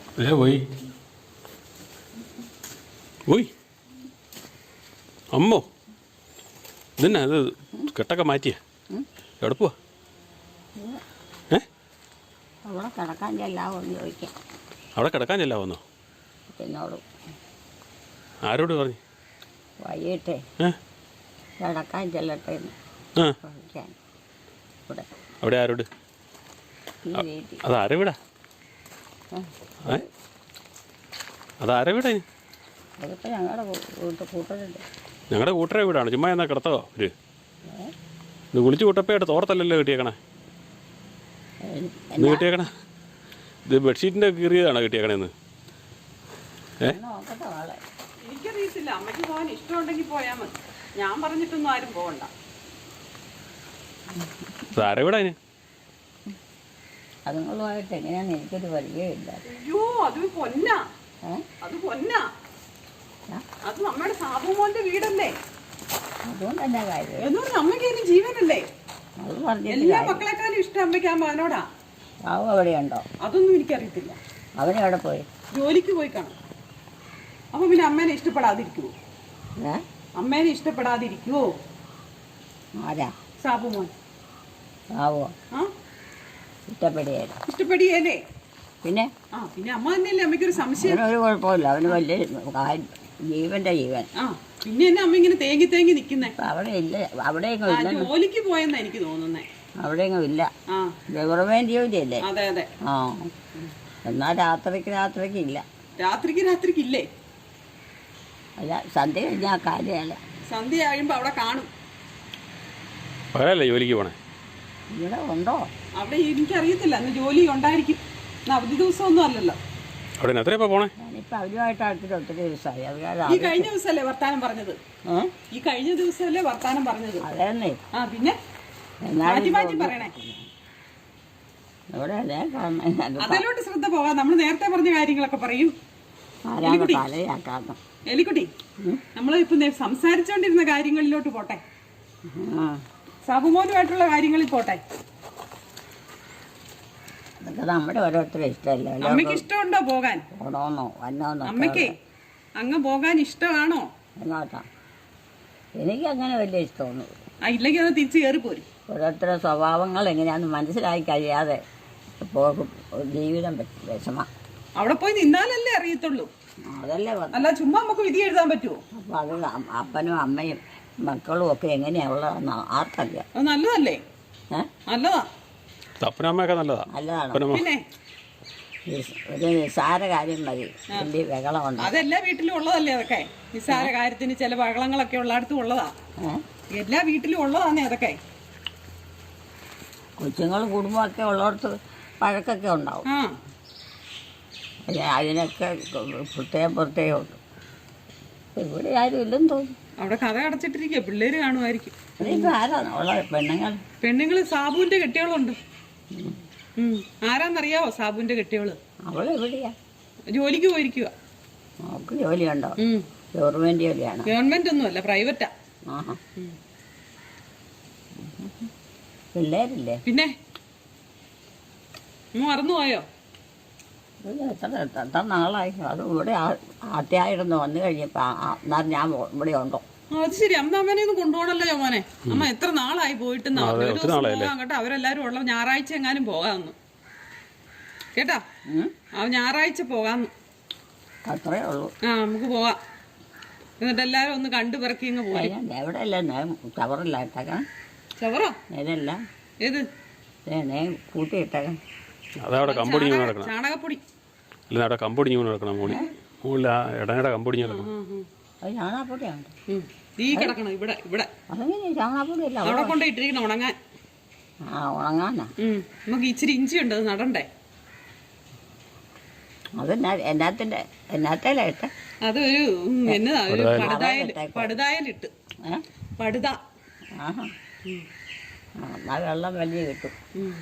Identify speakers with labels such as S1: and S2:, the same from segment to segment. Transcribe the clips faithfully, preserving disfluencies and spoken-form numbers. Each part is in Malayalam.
S1: ഏ പോയി പോയി അമ്മോ ഇതന്നെ അത് കെട്ടൊക്കെ മാറ്റിയ എവിടെ പോവാ? ഏ
S2: അവിടെ കിടക്കാൻ ചെല്ലാവോന്ന് ചോദിക്കാം.
S1: അവിടെ കിടക്കാൻ ചെല്ലാവോന്നോ?
S2: എന്നോട്
S1: ആരോട് പറഞ്ഞു?
S2: വൈകിട്ടേ
S1: ഏ
S2: കിടക്കാൻ ചെല്ലട്ടെ എന്ന്
S1: ആ
S2: ചോദിക്കാൻ. ഇവിടെ
S1: അവിടെ ആരോട്?
S2: ഈ വീട്ടിൽ
S1: അത് ആരെ വീടാ? ഏ അതാരെ വീടാ?
S2: അതിപ്പോൾ ഞങ്ങളുടെ വീട്ടിൽ കൂട്ടരുണ്ട്.
S1: ഞങ്ങളുടെ കൂട്ടരെ വീടാണ്. ചുമ്മാ എന്നാ കിടത്തോ ഒരു ഇത് കുളിച്ച് കൂട്ടപ്പയായിട്ട് തോർത്തല്ലല്ലോ കിട്ടിയേക്കണേ. ഇന്ന് കിട്ടിയേക്കണേ ഇത് ബെഡ്ഷീറ്റിൻ്റെ കീറിയതാണോ കിട്ടിയേക്കണേന്ന്? ഏ
S2: നോക്കട്ടെ ആളെ.
S3: എനിക്കറിയത്തില്ല. അമ്മയ്ക്ക് പോകാൻ ഇഷ്ടമുണ്ടെങ്കിൽ പോയാൽ മതി. ഞാൻ പറഞ്ഞിട്ടൊന്നും ആരും പോകണ്ട.
S1: ആരെ വീടാ അതിന്?
S2: അതുങ്ങളുമായിട്ട് എങ്ങനെയാണെന്ന് എനിക്കൊരു പരിചയമില്ല.
S3: അയ്യോ അത് പൊന്നാ.
S2: ഏ
S3: അത് പൊന്നാ. അത് നമ്മുടെ സാബുമോന്റെ വീടല്ലേ?
S2: അതുകൊണ്ട് തന്നെ കാര്യം
S3: എന്ന് പറഞ്ഞ അമ്മയ്ക്ക് ഇനി ജീവനല്ലേ?
S2: അത് പറഞ്ഞിട്ട്
S3: എല്ലാ
S2: കാര്യം.
S3: മക്കളെക്കാളും ഇഷ്ടം അമ്മയ്ക്ക് ആ മകനോടാ.
S2: ബാബു എവിടെയുണ്ടോ?
S3: അതൊന്നും എനിക്കറിയത്തില്ല.
S2: അവനെവിടെ പോയി?
S3: ജോലിക്ക് പോയി കാണും. അപ്പൊ പിന്നെ അമ്മേനെ ഇഷ്ടപ്പെടാതിരിക്കുവോ?
S2: ഏ
S3: അമ്മേനെ ഇഷ്ടപ്പെടാതിരിക്കുവോ?
S2: ആരാ?
S3: സാബുമോൻ.
S2: ബാബുവോ?
S3: ആ
S2: ഇഷ്ടപ്പെടുകയില്ല.
S3: ഇഷ്ടപ്പെടുകയല്ലേ?
S2: പിന്നെ
S3: ആ പിന്നെ അമ്മ തന്നെയല്ലേ അമ്മയ്ക്കൊരു സംശയം.
S2: അവനൊരു കുഴപ്പമില്ല. അവന് വലിയ കാര്യം, ജീവന്റെ ജീവൻ.
S3: ആ പിന്നെ എന്നെ അമ്മ ഇങ്ങനെ തേങ്ങി തേങ്ങി നിക്കുന്നേ?
S2: ഇപ്പം അവിടെ ഇല്ല. അവിടെയെങ്ങും
S3: ആ
S2: ഇല്ല.
S3: ജോലിക്ക് പോയെന്നാ എനിക്ക് തോന്നുന്നേ.
S2: അവിടെയെങ്ങും ഇല്ല.
S3: ആ
S2: ഗവൺമെന്റ് ജോലിയല്ലേ?
S3: അതെ അതെ.
S2: ആ എന്നാൽ രാത്രിക്ക് രാത്രിക്ക് ഇല്ല.
S3: രാത്രിക്ക് രാത്രിക്ക് ഇല്ലേ?
S2: അല്ല സന്ധ്യ കഴിഞ്ഞാൽ ആ കാര്യമല്ല.
S3: സന്ധ്യ കഴിയുമ്പോ അവിടെ കാണും.
S1: പകലല്ലേ ജോലിക്ക് പോണേ?
S2: ഇവിടെ ഉണ്ടോ?
S3: അവിടെ എനിക്കറിയത്തില്ല. അന്ന് ജോലി ഉണ്ടായിരിക്കും. ഇന്ന് അവധി ദിവസം ഒന്നും അല്ലല്ലോ.
S1: അവിടെ എത്രയപ്പോ പോണേ?
S2: ഞാനിപ്പോൾ അവരുമായിട്ട് അടുത്തിട്ട് ഒത്തിരി ദിവസമായി. അത്
S3: ഈ കഴിഞ്ഞ ദിവസമല്ലേ വർത്താനം പറഞ്ഞത്?
S2: ഏ
S3: ഈ കഴിഞ്ഞ ദിവസമല്ലേ വർത്താനം പറഞ്ഞത്?
S2: അതേന്നേ.
S3: ആ പിന്നെ മാറ്റി മാറ്റി പറയണേ.
S2: ഇവിടെ അതേ കാണുന്ന
S3: അതിലോട്ട് ശ്രദ്ധ പോവാ. നമ്മൾ നേരത്തെ പറഞ്ഞ കാര്യങ്ങളൊക്കെ പറയും.
S2: ആരാണ് തലയാക്കാന്ന്.
S3: എലിക്കുട്ടി, നമ്മൾ ഇപ്പൊ സംസാരിച്ചോണ്ടിരുന്ന കാര്യങ്ങളിലോട്ട് പോട്ടെ.
S2: ആ
S3: സാബുമോനുമായിട്ടുള്ള കാര്യങ്ങളിൽ പോട്ടെ.
S2: അതൊക്കെ നമ്മുടെ ഓരോരുത്തരും ഇഷ്ടമല്ലേ?
S3: അമ്മയ്ക്ക് ഇഷ്ടമുണ്ടോ പോകാൻ?
S2: പോണോന്നോ വന്നോന്നോ?
S3: അമ്മയ്ക്ക് അങ്ങ് പോകാൻ ഇഷ്ടമാണോ?
S2: എന്നോട്ടാ എനിക്കങ്ങനെ വലിയ ഇഷ്ടമൊന്നും.
S3: ആ ഇല്ലെങ്കിൽ അത് തിരിച്ച് കയറി പോരും.
S2: ഓരോരുത്തരുടെ സ്വഭാവങ്ങൾ എങ്ങനെയാണെന്ന് മനസ്സിലാക്കി കഴിയാതെ പോകും ജീവിതം വിഷമ.
S3: അവിടെ പോയി നിന്നാലല്ലേ അറിയത്തുള്ളൂ.
S2: അതല്ലേ പറഞ്ഞു.
S3: അല്ല ചുമ്മാ നമുക്ക് വിധി എഴുതാൻ പറ്റുമോ?
S2: അപ്പം അത് അ- അപ്പനും അമ്മയും മക്കളും ഒക്കെ എങ്ങനെയുള്ളതെന്ന് ആർക്കറിയാം.
S3: അത് നല്ലതല്ലേ?
S2: ഏ
S3: നല്ലതാ.
S1: അപ്പനമ്മയൊക്കെ നല്ലതാ.
S2: നല്ലതാണ്.
S1: അപ്പനമ്മ
S3: പിന്നെ
S2: നിസ്- ഒരു നിസ്സാര കാര്യം മതി വലിയ ബഹളമുണ്ട്.
S3: അതെല്ലാ വീട്ടിലും ഉള്ളതല്ലേ അതൊക്കെ? നിസ്സാര കാര്യത്തിന് ചില ബഹളങ്ങളൊക്കെ ഉള്ളടത്തും ഉള്ളതാ.
S2: ഏഹ്
S3: എല്ലാ വീട്ടിലും ഉള്ളതാന്നേ അതൊക്കെ.
S2: കൊച്ചുങ്ങളും കുടുംബമൊക്കെ ഉള്ളിടത്ത് പഴക്കൊക്കെ ഉണ്ടാവും.
S3: ആ
S2: അതിന് അതിനൊക്കെ പ്രത്യേകം പ്രത്യേകം ഉണ്ട്. ഇവിടെ ആരും ഇല്ലെന്ന് തോന്നുന്നു.
S3: അവിടെ കഥ അടച്ചിട്ടിരിക്കുക. പിള്ളേര് കാണുമായിരിക്കും.
S2: അതിപ്പോൾ ആരാണ് ഉള്ള പെണ്ണുങ്ങൾ?
S3: പെണ്ണുങ്ങള് സാബുവിന്റെ കെട്ടിയോളുണ്ട്. ഉം ആരാന്നറിയാവോ സാബുവിന്റെ കെട്ടിയോള്?
S2: അവളെവിടെയാ?
S3: ജോലിക്ക് പോയിരിക്കുക.
S2: അവൾക്ക് ജോലിയുണ്ടോ? ഗവൺമെൻറ് ജോലിയാണ്.
S3: ഗവൺമെന്റ് ഒന്നും അല്ല, പ്രൈവറ്റാ.
S2: ആഹാ. പിള്ളേരില്ലേ?
S3: പിന്നെ മറന്നുപോയോ?
S2: ഇത് എത്ര എത്ര നാളായി? അത് ഇവിടെ ആദ്യമായിരുന്നു വന്നു കഴിഞ്ഞപ്പോൾ എന്നാൽ ഞാൻ ഇവിടെ ഉണ്ടോ?
S3: ആ, അത് ശരി. അമ്മ അമ്മനെ ഒന്ന് കൊണ്ടുപോകണല്ലോ ചോമോനെ. അമ്മ എത്ര നാളായി പോയിട്ട് കേട്ടോ. അവരെല്ലാരും ഉള്ള ഞായറാഴ്ച എങ്ങാനും പോകാമെന്ന് കേട്ടാ. ആ ഞായറാഴ്ച പോകാന്ന്.
S2: അത്രേ ഉള്ളൂ.
S3: ആ നമുക്ക് പോകാം. എന്നിട്ട് എല്ലാരും ഒന്ന് കണ്ടു പിറക്കി ഇങ്ങ് പോയി.
S2: എവിടെയല്ല ചവറില്ല ഇട്ടേക്കണം.
S3: ചവറോ?
S2: നേരല്ല
S3: ഏത്
S2: നേ കൂട്ടി ഇട്ടേക്കണം.
S1: അതവിടെ കമ്പൊടിഞ്ഞ് നടക്കണം.
S3: ചാണകപ്പൊടി
S1: അല്ല അവിടെ കമ്പൊടിഞ്ഞ് നടക്കണം. മോളി മുകളിൽ ആ ഇടനയുടെ കമ്പൊടിഞ്ഞ് നടക്കണം.
S2: അത് ചാണകപ്പൊടിയാണ്.
S3: തീ കിടക്കണം ഇവിടെ ഇവിടെ.
S2: അതെങ്ങനെയാ ചാണകപ്പൊടിയല്ല
S3: അവിടെ കൊണ്ട് ഇട്ടിരിക്കണം ഉണങ്ങാൻ.
S2: ആ ഉണങ്ങാനാ.
S3: നമുക്ക് ഇച്ചിരി ഇഞ്ചി ഉണ്ട്, അത് നടണ്ടേ.
S2: അത് എന്നാത്തിന്റെ എന്നാത്തേലാ ഇട്ട?
S3: അത് ഒരു എന്നതാ ഒരു പടുതായൽ പടുതായലിട്ട് പടുത.
S2: ആഹാ. ആ വെള്ളം വലിയ കിട്ടും.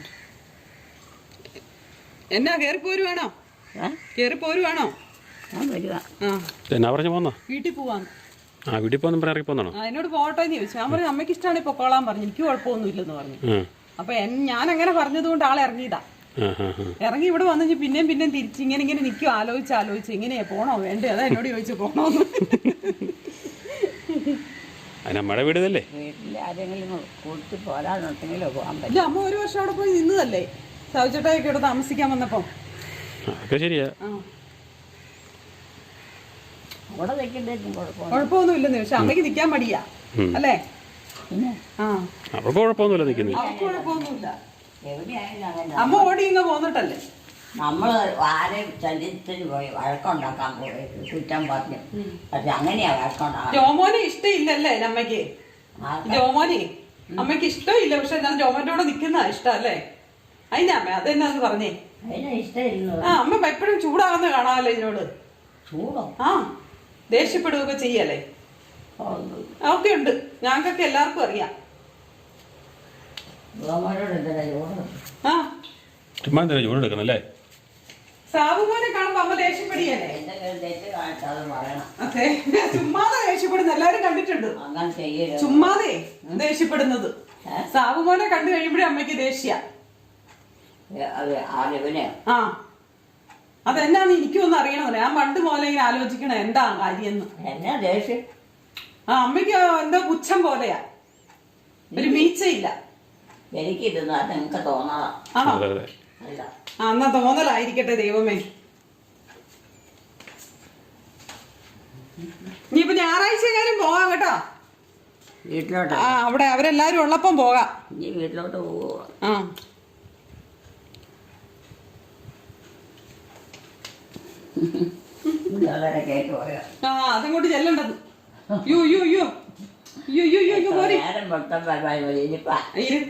S3: എന്നാ കേറി പോരുവാണോ? കേറി പോരുവാണോ?
S2: ഞാൻ വരുക.
S3: ആ
S1: എന്നാ പറഞ്ഞു പോന്നോ?
S3: വീട്ടിൽ പോവാന്ന്.
S1: ആ വീട്ടിൽ പോകുന്ന പറയാൻ ഇറങ്ങി പോന്നാണോ?
S3: അതിനോട് പോകട്ടെ എന്ന് ചോദിച്ചു. ഞാൻ പറഞ്ഞു അമ്മയ്ക്ക് ഇഷ്ടമാണ് പൊക്കോളാൻ പറഞ്ഞു. എനിക്ക് കുഴപ്പമൊന്നും ഇല്ലെന്ന് പറഞ്ഞു. അപ്പൊ ഞാൻ അങ്ങനെ പറഞ്ഞത് കൊണ്ട് ആളെ ഇറങ്ങിയതാ.
S1: ആ ആ ആ
S3: ഇറങ്ങി ഇവിടെ വന്നു പിന്നെയും പിന്നെയും തിരിച്ച് ഇങ്ങനെ ഇങ്ങനെ നിൽക്കും ആലോചിച്ച് ആലോചിച്ച് എങ്ങനെയാ പോണോ വേണ്ടേ അതാ എന്നോട് ചോദിച്ചു പോണോന്ന്.
S1: അതിന് അമ്മയുടെ വീടല്ലേ.
S2: വീട്ടിൽ ആരെങ്കിലും കൂട്ടി പോരാന്നുണ്ടെങ്കിലോ പോകാൻ
S3: ഇല്ല,
S2: പറ്റും.
S3: അമ്മ ഒരു വർഷം അവിടെ പോയി നിന്നതല്ലേ സൗചേട്ടായൊക്കെ ഇവിടെ താമസിക്കാൻ വന്നപ്പം.
S1: അതൊക്കെ ശരിയാ.
S3: ആ
S2: അവിടെ നിൽക്കുന്നതിനും കുഴപ്പമില്ല.
S3: കുഴപ്പമൊന്നും ഇല്ലെന്ന്, പക്ഷെ അമ്മയ്ക്ക് നിൽക്കാൻ മടിയാ അല്ലേ.
S2: പിന്നെ
S3: ആ
S1: അവർക്ക് കുഴപ്പമൊന്നുമില്ല നിൽക്കുന്നത്.
S3: അവർക്ക് കുഴപ്പമൊന്നുമില്ല.
S2: എവിടെയായാലും അങ്ങനെ
S3: അമ്മ ഓടി ഇങ്ങ പോന്നിട്ടല്ലേ.
S2: നമ്മൾ ആരെയും ചരിത്രത്തിന് പോയി വഴക്കുണ്ടാക്കാൻ പോയി കുറ്റം പറഞ്ഞു. പക്ഷെ അങ്ങനെയാ വഴക്കുണ്ടാകാൻ.
S3: ജോമോനെ ഇഷ്ടമില്ലല്ലേ അമ്മയ്ക്ക്. ജോമോനെ അമ്മയ്ക്ക് ഇഷ്ടമില്ല, പക്ഷെ എന്നാലും ജോമോന്റെ കൂടെ നിൽക്കുന്ന ഇഷ്ടം അല്ലേ. അതിനാ അമ്മ അതെന്നാന്ന് പറഞ്ഞേ.
S2: അതിനെ ഇഷ്ടമില്ല.
S3: ആ അമ്മ എപ്പോഴും ചൂടാകുന്ന കാണാമല്ലോ ഇതിനോട്.
S2: ചൂടോ?
S3: ആ ദേഷ്യപ്പെടുകയൊക്കെ ചെയ്യല്ലേ. ഒക്കെ ഉണ്ട്, ഞങ്ങൾക്കൊക്കെ എല്ലാവർക്കും അറിയാം.
S2: ഗോമനോട് എന്തിനാ ചൂട്?
S3: ആ
S1: ചുമ്മാ എന്തിനാ ചൂടെടുക്കണം അല്ലേ.
S3: സാബുമോനെ കാണുമ്പോ അമ്മ ദേഷ്യപ്പെടിയല്ലേ.
S2: എന്തെങ്കിലും തെറ്റ് കാണിച്ചാൽ അത് പറയണം.
S3: അതെ, ചുമ്മാതെ ദേഷ്യപ്പെടുന്ന എല്ലാരും കണ്ടിട്ടുണ്ട്.
S2: അങ്ങനെ ചെയ്യരുത്.
S3: ചുമ്മാതെ ദേഷ്യപ്പെടുന്നത് സാബുമോനെ കണ്ടു കഴിയുമ്പോഴേ അമ്മയ്ക്ക് ദേഷ്യ.
S2: അത് ആരിവനെ
S3: ആ അതെന്നാന്ന് എനിക്കൊന്നും അറിയണമെന്നില്ല. ഞാൻ പണ്ട് പോലെ ഇങ്ങനെ ആലോചിക്കണ എന്താ കാര്യന്ന്.
S2: എന്നാ ദേഷ്യം?
S3: ആ അമ്മയ്ക്ക് എന്തോ പുച്ഛം പോലെയാ, ഒരു വീഴ്ചയില്ല.
S2: എനിക്കിരുന്നാ നിങ്ങൾക്ക് തോന്നാതാ.
S3: ആണോ?
S1: അതെ അതെ.
S2: അല്ല
S3: ആ എന്നാ തോന്നലായിരിക്കട്ടെ ദൈവമേ. ഇനിയിപ്പോ ഞായറാഴ്ച എങ്ങാനും പോകാം കേട്ടോ.
S2: വീട്ടിലോട്ട്
S3: ആ അവിടെ അവരെല്ലാരും ഉള്ളപ്പം പോകാം.
S2: ഇനി വീട്ടിലോട്ട് പോവുക.
S3: ആ
S2: വളരെ കേട്ട് പോയോ?
S3: ആ അതങ്ങോട്ട് ചെല്ലണ്ടത്. യോ യോ യോ യോ യോ യോ യോ പോരെ.
S2: നേരം മൊത്തം പരിപാടി ഇനിയിപ്പ
S3: ഇരിപ്പ.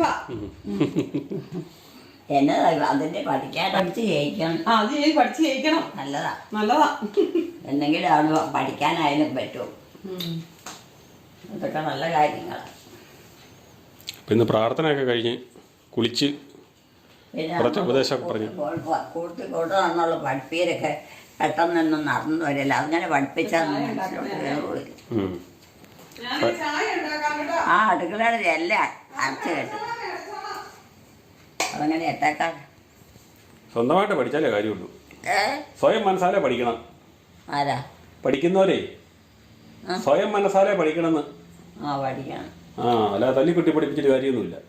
S2: എന്നതാ അതിന്റെ പഠിക്കാൻ പഠിച്ച് ജയിക്കണം.
S3: ആ അത് ഞാൻ പഠിച്ച് ജയിക്കണം.
S2: നല്ലതാ
S3: നല്ലതാ.
S2: എന്തെങ്കിലും അവിടെ പഠിക്കാനായാലും പറ്റും. അതൊക്കെ നല്ല കാര്യങ്ങളാണ്.
S1: അപ്പം ഇന്ന് പ്രാർത്ഥനയൊക്കെ കഴിഞ്ഞ് കുളിച്ച്
S2: പിന്നെ
S1: കുറച്ച് ഉപദേശമൊക്കെ പറഞ്ഞു.
S2: കൂട്ടി കൂട്ടണമെന്നുള്ള പഠിപ്പീരൊക്കെ പെട്ടെന്നൊന്നും നടന്നു വരില്ല. അങ്ങനെ പഠിപ്പിച്ചാൽ കയറുമില്ല.
S1: ഉം.
S3: ഞാൻ ചായ ഉണ്ടാക്കാം കേട്ടോ.
S2: ആ അടുക്കളയുടെ എല്ലാം അരച്ച് കെട്ടും. അതങ്ങനെ എത്തേക്കാൻ
S1: സ്വന്തമായിട്ട് പഠിച്ചാലേ കാര്യമുള്ളൂ.
S2: ഏ
S1: സ്വയം മനസ്സാലെ പഠിക്കണം.
S2: ആരാ
S1: പഠിക്കുന്നവരേ സ്വയം മനസ്സാലെ പഠിക്കണമെന്ന്.
S2: ആ പഠിക്കണം.
S1: ആ അല്ലാതെ തല്ലിക്കുട്ടി പഠിപ്പിച്ചിട്ട് കാര്യമൊന്നുമില്ല.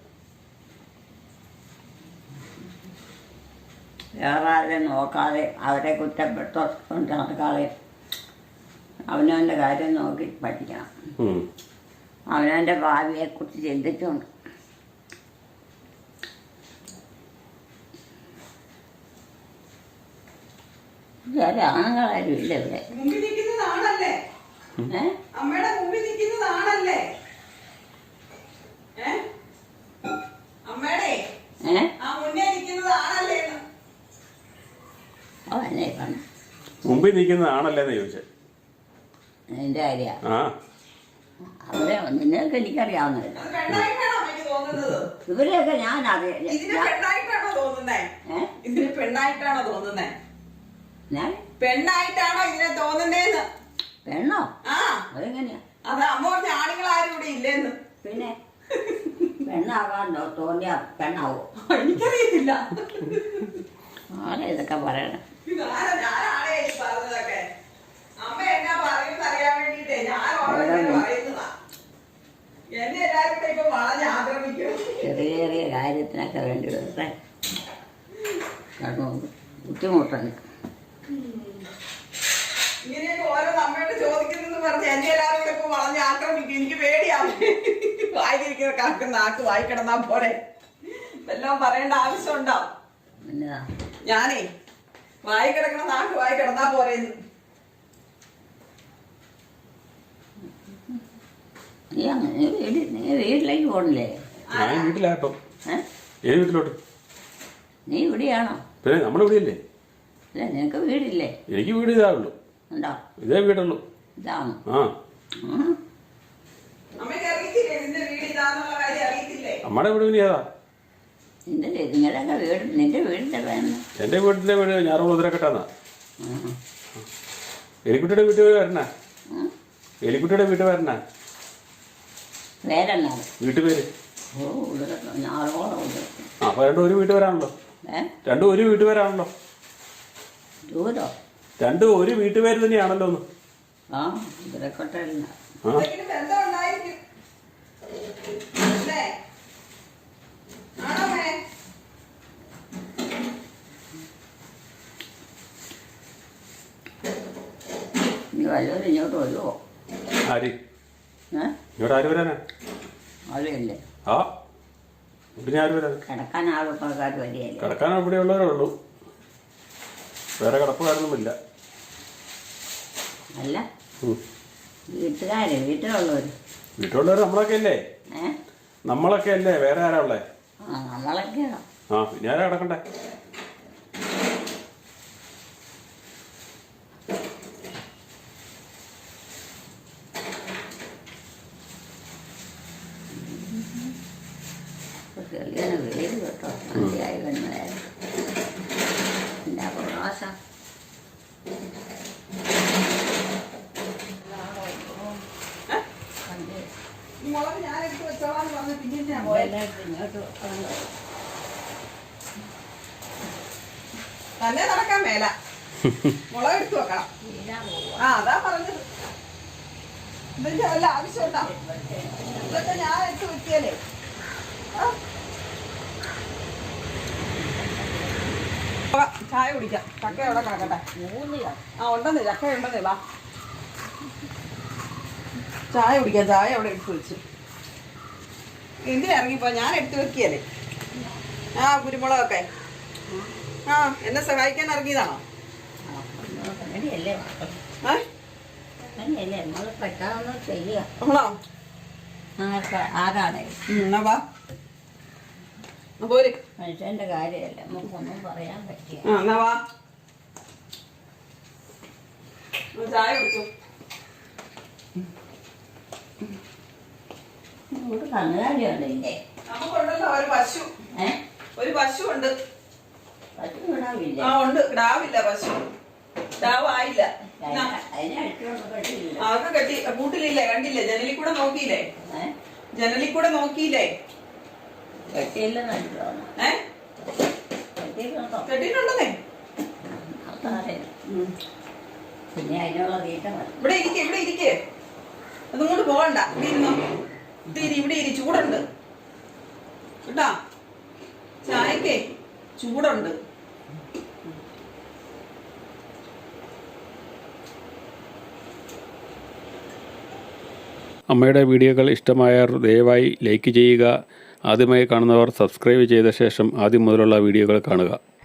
S2: വേറെ ആരെയും നോക്കാതെ അവരെ കുറ്റപ്പെട്ടോണ്ട് നടക്കാതെ അവനവൻ്റെ കാര്യം നോക്കി പഠിക്കണം.
S1: ഉം.
S2: അവനവൻ്റെ ഭാവിയെക്കുറിച്ച് ചിന്തിച്ചുകൊണ്ട്. വേറെ ആണുങ്ങളാരും ഇല്ല ഇവിടെ.
S3: മുമ്പിൽ നിൽക്കുന്നതാണല്ലേ.
S2: ഏ
S3: അമ്മയുടെ മുമ്പിൽ നിൽക്കുന്നതാണല്ലേ. ഏ അമ്മയുടെ
S2: ഏ
S3: ആ മുന്നേ നിൽക്കുന്നതാണല്ലേ.
S2: ഓ എന്നെ കണ്ടു
S1: മുമ്പിൽ നിൽക്കുന്നതാണല്ലേന്ന് ചോദിച്ചേ.
S2: എൻ്റെ കാര്യ
S1: ആ
S2: അവരെ നിങ്ങൾക്ക് എനിക്കറിയാവുന്നതല്ല.
S3: അത് പെണ്ണായിട്ടാണോ അമ്മയ്ക്ക് തോന്നുന്നത്?
S2: ഇവരെയൊക്കെ ഞാൻ അറിയാം.
S3: ഇതിന് പെണ്ണായിട്ടാണോ തോന്നുന്നേ?
S2: ഏ
S3: ഇതിന് പെണ്ണായിട്ടാണോ തോന്നുന്നേ?
S2: ഞാൻ
S3: പെണ്ണായിട്ടാണോ ഇതിനെ തോന്നുന്നേന്ന്?
S2: പെണ്ണോ?
S3: ആ
S2: അതെങ്ങനെയാ?
S3: അത് അമ്മ പറഞ്ഞ ആണുങ്ങളാരും ഇവിടെ ഇല്ലേന്ന്.
S2: പിന്നെ പെണ്ണാകാൻ തോന്നിയ പെണ്ണാവോ?
S3: എനിക്കറിയത്തില്ല.
S2: ആരാ ഇതൊക്കെ പറയണം?
S3: ഇതാരാ? ഞാനാണേ ഈ പറഞ്ഞതൊക്കെ. അമ്മ എന്നാ പറയുമെന്ന് അറിയാൻ വേണ്ടിട്ടേ ഞാൻ ഓരോരുത്തരും പറയുന്നതാ. എന്നെ എല്ലാരും കൂടെ ഇപ്പൊ വളഞ്ഞ് ആക്രമിക്കും.
S2: ചെറിയ ചെറിയ കാര്യത്തിനൊക്കെ വേണ്ടി വെറുതെ കടന്നു ബുദ്ധിമുട്ടുണ്ട്.
S3: ഇങ്ങനെയൊക്കെ ഓരോ അമ്മയോട് ചോദിക്കുന്നെന്ന് പറഞ്ഞ് എന്നെ എല്ലാവരും കൂടെ ഇപ്പൊ വളഞ്ഞ് ആക്രമിക്കും. എനിക്ക് പേടിയാവും. വായിക്കിരിക്കുന്ന കണക്ക് നാക്ക് വായി കിടന്നാ പോരെ. വല്ലതും പറയേണ്ട ആവശ്യമുണ്ടോ?
S2: എന്നതാ
S3: ഞാനേ വായി കിടക്കണ നാക്ക് വായി കിടന്നാ പോരേന്ന്.
S2: നീ അങ്ങനെ നീ വീട്ടിൽ നീ വീട്ടിലേക്ക് പോകണില്ലേ?
S1: ഞാൻ വീട്ടിലാട്ടോ.
S2: ഏ
S1: ഏത് വീട്ടിലോട്ട്?
S2: നീ ഇവിടെയാണോ?
S1: പിന്നെ നമ്മളിവിടെയല്ലേ.
S2: അല്ല നിനക്ക് വീടില്ലേ?
S1: എനിക്ക് വീട് ഇതാ ഉള്ളൂ.
S2: ഉണ്ടോ?
S1: ഇതേ വീടുള്ളൂ.
S2: ഇതാണോ?
S1: ആ
S3: അമ്മയ്ക്ക് അറിയത്തില്ലേ നിന്റെ വീട് ഇതാന്നുള്ള കാര്യം? അറിയത്തില്ലേ?
S1: നമ്മുടെ വീട് പിന്നെ ഏതാ?
S2: നിന്റെ നിങ്ങളുടെയൊക്കെ വീട് നിന്റെ വീടിൻ്റെ വേണം.
S1: എൻ്റെ വീട്ടിലെ വീട് ഞാറുകുളം ഉദരക്കെട്ടാന്നാ. എലിക്കുട്ടിയുടെ വീട്ടിൽ വരണ. എലിക്കുട്ടിയുടെ വീട്ടിൽ വരണ
S2: വേരെന്നാണ്?
S1: വീട്ടുപേര്.
S2: ഓ ഉദരക്കം ഞാറോളം ഉദരക്കം.
S1: ആ അപ്പോൾ രണ്ടും ഒരു വീട്ടിൽ വരാണല്ലോ.
S2: ഏ
S1: രണ്ടും ഒരു വീട്ടുപേരാണല്ലോ.
S2: ദൂരോ?
S1: രണ്ടും ഒരു വീട്ടുപേര് തന്നെയാണല്ലോ ഒന്ന്.
S2: ആ ഇതിലെക്കോട്ടല്ല.
S1: ആ
S3: എന്തെങ്കിലും ബന്ധം ഉണ്ടായിരിക്കും. അല്ലേ? ആണോ മോനെ?
S2: ഇനി വല്ലവരും ഇങ്ങോട്ട് വരുമോ?
S1: ആര്
S2: ഏ
S1: ഇങ്ങോട്ട് ആര് വരാനാ?
S2: ആളിയല്ലേ?
S1: ആ പിന്നെ ആര് വരാൻ?
S2: കിടക്കാൻ ആളുപ്പക്കാർ വരികയല്ലേ?
S1: കിടക്കാൻ ഇവിടെ ഉള്ളവരേ ഉള്ളൂ, വേറെ കിടപ്പുകാരൊന്നുമില്ല.
S2: അല്ല
S1: ഉം.
S2: വീട്ടുകാര് വീട്ടിലുള്ളവർ.
S1: വീട്ടിലുള്ളവർ നമ്മളൊക്കെ അല്ലേ?
S2: ഏ
S1: നമ്മളൊക്കെ അല്ലേ, വേറെ ആരാ ഉള്ളേ?
S2: ആ നമ്മളൊക്കെയാണോ?
S1: ആ പിന്നെ ആരാ കിടക്കണ്ടേ?
S2: ചെറിയ വെയിൽ കേട്ടോ, മതിയായി വരുന്നതായിരുന്നു. പിന്നെ പ്രകാശം
S3: മുളക് ഞാൻ എടുത്ത് വെച്ചോളാന്ന് പറഞ്ഞ് പിന്നെ ഞാൻ പോയത്.
S2: ഇങ്ങോട്ട്
S3: തന്നെ നടക്കാൻ മേല, മുളക് എടുത്ത് വെക്കണം. ആ അതാ പറഞ്ഞത്. ഇതിന്റെ വല്ല ആവശ്യമുണ്ടോ? ഇതൊക്കെ ഞാൻ എടുത്ത് വെക്കിയല്ലേ. ആ? വാ, ചായ കുടിക്കാം. ചക്ക എവിടെ കിടക്കട്ടെ?
S2: മൂന്നിയോ?
S3: ആ ഉണ്ടെന്നേ, ചക്ക ഉണ്ടെന്നേ. വാ ചായ കുടിക്കാം. ചായ അവിടെ എടുത്ത് വെച്ചു. എന്തിനാ ഇറങ്ങിപ്പോ? ഞാൻ എടുത്ത് വെക്കിയല്ലേ. ആ കുരുമുളകൊക്കെ. ആ എന്നെ സഹായിക്കാൻ ഇറങ്ങിയതാണോ?
S2: അങ്ങനെയല്ലേ
S3: ഏ
S2: അങ്ങനെയല്ലേ നമ്മൾ പറ്റാവുന്ന ചെയ്യുക.
S3: ആണോ?
S2: ആർക്കാ ആരാണ്?
S3: ഉം, എന്നാ വാ. ആ, പോര്.
S2: മനുഷ്യന്റെ കാര്യമല്ല, നമുക്കൊന്നും പറയാൻ പറ്റിയ.
S3: ആ എന്നാ വാ. ഒന്ന് ചായ കുടിച്ചു.
S2: ഒരു കന്നുകാലിയുണ്ട് ഇല്ലേ?
S3: നമുക്കുണ്ടല്ലോ ഒരു പശു.
S2: ഏ
S3: ഒരു പശു ഉണ്ട്.
S2: പശു വിടാവില്ല.
S3: ആ ഉണ്ട്. കിടാവില്ല പശു. കിടാവായില്ല. എന്നാ,
S2: അതിനെ അടിച്ചോണ്ട് കെട്ടിയില്ല.
S3: അതൊക്കെ കെട്ടി കൂട്ടിലില്ലേ? കണ്ടില്ലേ? ജനലിൽ കൂടെ നോക്കിയില്ലേ?
S2: ഏ
S3: ജനലിൽ കൂടെ നോക്കിയില്ലേ?
S2: കെട്ടിയില്ലെന്ന് അടിച്ചോന്ന്.
S3: ഏ
S2: കെട്ടിയിട്ടുണ്ടോ?
S3: കെട്ടിയിട്ടുണ്ടെന്നേ.
S2: അതറിയില്ല. പിന്നെ അതിനുള്ള തീറ്റ മതി.
S3: ഇവിടെ ഇരിക്കെ, ഇവിടെ ഇരിക്കെ. അതും കൊണ്ട് പോകണ്ട. ഇവിടെ ഇരുന്നോ. ഇവിടെ ഇരി, ഇവിടെ ഇരി. ചൂടുണ്ട് കേട്ടാ. ചായക്കേ ചൂടുണ്ട്.
S1: അമ്മയുടെ വീഡിയോകൾ ഇഷ്ടമായാൽ ദയവായി ലൈക്ക് ചെയ്യുക. ആദ്യമായി കാണുന്നവർ സബ്സ്ക്രൈബ് ചെയ്ത ശേഷം ആദ്യം മുതലുള്ള വീഡിയോകൾ കാണുക.